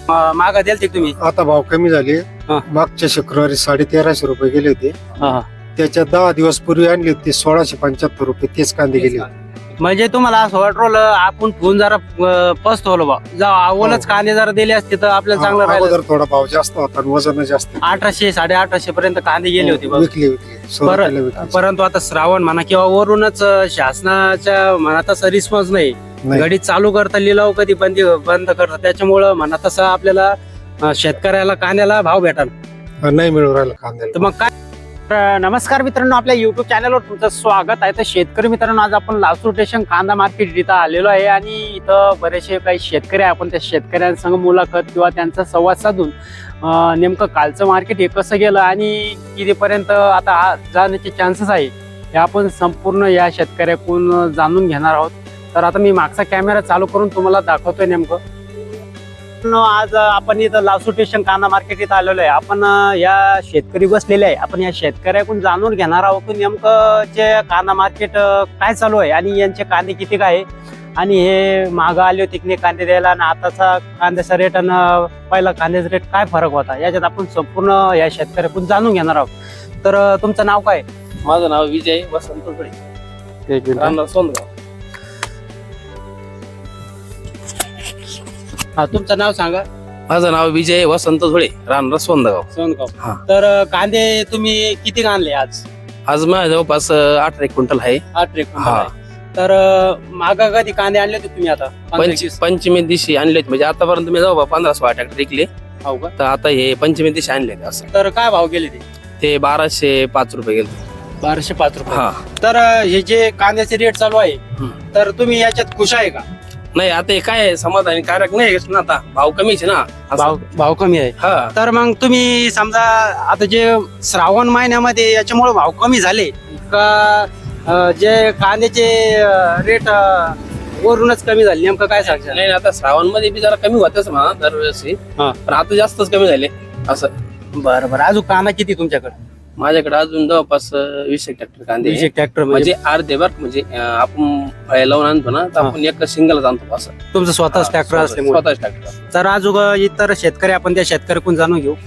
मागा द्याल ते तुम्ही? आता भाव कमी झाले. हा. मागच्या शुक्रवारी 1350 रुपये गेले होते. हा. त्याच्या 10 दिवस पूर्वी आणले होते 1675 रुपये. तेच कांदे गेले होते. म्हणजे तुम्हाला असं वाटलं आपण फोन जरा पसतवलं बा जा आवलच कांदे जरा दिले असते तर आपल्याला चांगलं राहिलं. अगोदर थोडा भाव जास्त होता आणि वजन जास्त. 1800 1850 पर्यंत कांदे गेले होते बा. विकले सुरुवातीला विकले. परंतु आता श्रावण म्हणा किंवा वरूनच शासनाच्या म्हणा तसा रिस्पॉन्स नाही. नाही. गाडी चालू करता लिलाव कधी बंद करतात त्याच्यामुळं म्हणा तसं आपल्याला शेतकऱ्याला कांद्याला भाव भेटाल नाही मिळू राहिला कांद्याला. तर मग काय. नमस्कार मित्रांनो, आपल्या युट्यूब चॅनलवर तुमचं स्वागत आहे. तर शेतकरी मित्रांनो, आज आपण लासूर स्टेशन कांदा मार्केट इथं आलेलो आहे आणि इथं बरेचसे काही शेतकरी आहे. आपण त्या शेतकऱ्यांसंग मुलाखत किंवा त्यांचा संवाद साधून नेमकं कालचं मार्केट हे कसं गेलं आणि कितीपर्यंत आता जाण्याचे चान्सेस आहे हे आपण संपूर्ण या शेतकऱ्याकडून जाणून घेणार आहोत. तर आता मी मागचा कॅमेरा चालू करून तुम्हाला दाखवतोय नेमकं. आज आपण इथं लासूर स्टेशन कांदा मार्केट इथं आलेलो आहे. आपण या शेतकरी बसलेले आहे. आपण या शेतकऱ्याकडून जाणून घेणार आहोत की नेमकं जे कांदा मार्केट काय चालू आहे आणि यांचे कांदे किती काय आहे आणि हे मागं आले होते की कांदे द्यायला आणि आताचा कांद्याचा रेट आणि पहिला कांद्याचा रेट काय फरक होता याच्यात आपण संपूर्ण या शेतकऱ्याकडून जाणून घेणार आहोत. तर तुमचं नाव काय? माझं नाव विजय वसंत धुळे, राहणार सोनगाव. हा, तुमचं नाव सांगा. माझं नाव विजय वसंत धुळे, राहणार सोनगाव. सोनगाव. हा. तर कांदे तुम्ही किती आणले आज? आज माझ्या जवळपास 18 क्विंटल आहे. 8 ट्रेक. हा. तर मागा कधी कांदे आणले होते तुम्ही? आता 15-20? पंचमी दिवशी आणले म्हणजे आतापर्यंत मी जवळ 1500 ट्रॅक्टर विकले. हो का? तर आता हे पंचमी दिवशी आणले असं. तर काय भाव गेले ते 1205 रुपये गेले. 1205 रुपये. हा. तर हे जे कांद्याचे रेट चालू आहे तर तुम्ही याच्यात खुश आहे का? नाही, आता हे काय समाधानी कारक नाही ना, आता भाव कमीच आहे ना. असं. भाव कमी आहे. हा. तर मग तुम्ही समजा आता जे श्रावण महिन्यामध्ये याच्यामुळे भाव कमी झाले का जे कांद्याचे रेट वरूनच कमी झाले नेमकं काय सांगता? नाही, आता श्रावण मध्ये बी जरा कमी होतच म्हणा दरवेळेस, हा. पण आता जास्तच कमी झाले असं. बरं बरं. अजून कांदा किती तुमच्याकडे? माझ्याकडे अजून जवळपास 20 ट्रॅक्टर कांदे आहे. 20 ट्रॅक्टर म्हणजे अर्धे बर म्हणजे आपण फळे लावून आणतो ना, तर आपण एक सिंगल आणतो असं. तुमचं स्वतःच ट्रॅक्टर असल्यामुळे. स्वतःच ट्रॅक्टर. तर अजून इतर शेतकरी आपण त्या शेतकऱ्याकडून जाणून घेऊ.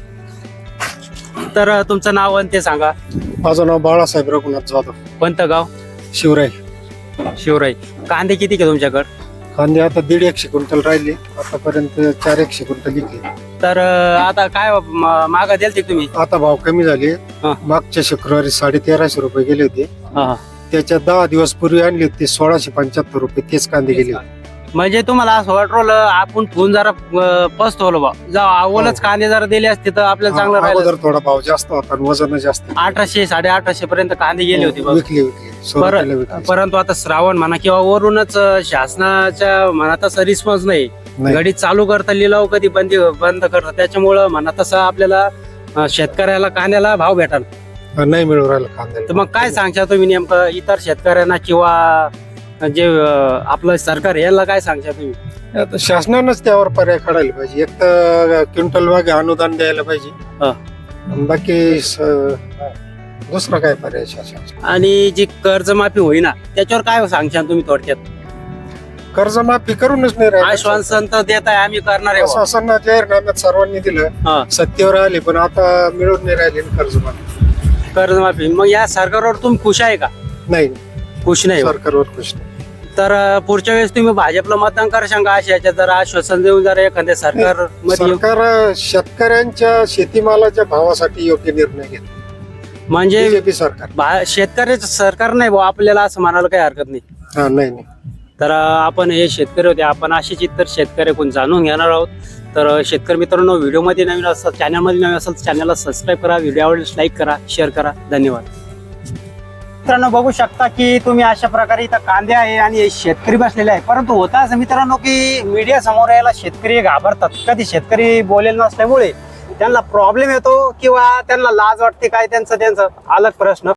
तर तुमचं नाव आणि ते सांगा. माझं नाव बाळासाहेब रघुनाथ जाधव, कोणतं गाव? शिवराय. शिवराई. कांदे किती का तुमच्याकडे? कांदे आता 150 क्विंटल राहिले. आतापर्यंत 400 क्विंटल विकले. तर आता काय मागा द्याल ते तुम्ही? आता भाव कमी झाले. हा. मागच्या शुक्रवारी 1350 रुपये गेले होते. हा. त्याच्या 10 दिवस पूर्वी आणले होते 1675 रुपये. तेच कांदे गेले होते. म्हणजे तुम्हाला असं वाटलं आपण फोन जरा पसतवलं बा जा आवलच कांदे जरा दिले असते तर आपल्याला चांगलं राहिलं. अगोदर थोडा भाव जास्त होता आणि वजन जास्त. 1800 1850 पर्यंत कांदे गेले होते बा. विकले सुरुवातीला विकले. परंतु आता श्रावण म्हणा किंवा वरूनच शासनाच्या म्हणा तसा रिस्पॉन्स नाही. नाही. गाडी चालू करता लिलाव कधी बंद करतात त्याच्यामुळं म्हणा तसं आपल्याला शेतकऱ्याला कांद्याला भाव भेटाल. नाही मिळू राहिला कांद्याला. तर मग काय सांगता तुम्ही नेमकं इतर शेतकऱ्यांना किंवा जे आपलं सरकार याला काय सांगता तुम्ही? आता शासनानंच त्यावर पर्याय काढायला पाहिजे. एक तर क्विंटल मागे अनुदान द्यायला पाहिजे. हा. आणि बाकी दुसरा काय पर्याय शासन? आणि जी कर्जमाफी होईना त्याच्यावर काय सांगता तुम्ही थोडक्यात? कर्जमाफी करूनच नाही राहिलं. आश्वासन तर देत आहे आम्ही करणार आहे. शासनानं जाहीरनाम्यात सर्वांनी हा. दिलं, सत्तेवर आले, पण आता मिळून नाही राहिले ना कर्जमाफी. कर्जमाफी. मग या सरकारवर तुम्ही खुश आहे का? नाही, खुश नाही. सरकारवर खुश नाही. तर पुढच्या वेळेस तुम्ही भाजपला मतदान करा सांगा अशा याच्यात जरा आश्वासन देऊन जरा एखाद्या सरकार सरकार शेतकऱ्यांच्या शेतीमालाच्या भावासाठी योग्य निर्णय घेत. म्हणजे बीजेपी सरकार शेतकऱ्याचं सरकार नाही भाऊ आपल्याला असं म्हणायला काही हरकत नाही. हा. नाही. तर आपण हे शेतकरी होते. आपण अशीच इतर शेतकऱ्याकडून जाणून घेणार आहोत. तर शेतकरी मित्रांनो, व्हिडिओमध्ये नवीन असाल, चॅनलमध्ये नवीन असाल तर चॅनलला सबस्क्राईब करा, व्हिडिओ आवडल्यास लाईक करा, शेअर करा. धन्यवाद. मित्रांनो, बघू शकता की तुम्ही अशा प्रकारे इथं कांदे आहे आणि शेतकरी बसलेले आहे. परंतु होता असं मित्रांनो की मीडिया समोर यायला शेतकरी घाबरतात. कधी शेतकरी बोलेल नसल्यामुळे त्यांना प्रॉब्लेम येतो किंवा त्यांना लाज वाटते काय त्यांचा अलग प्रश्न.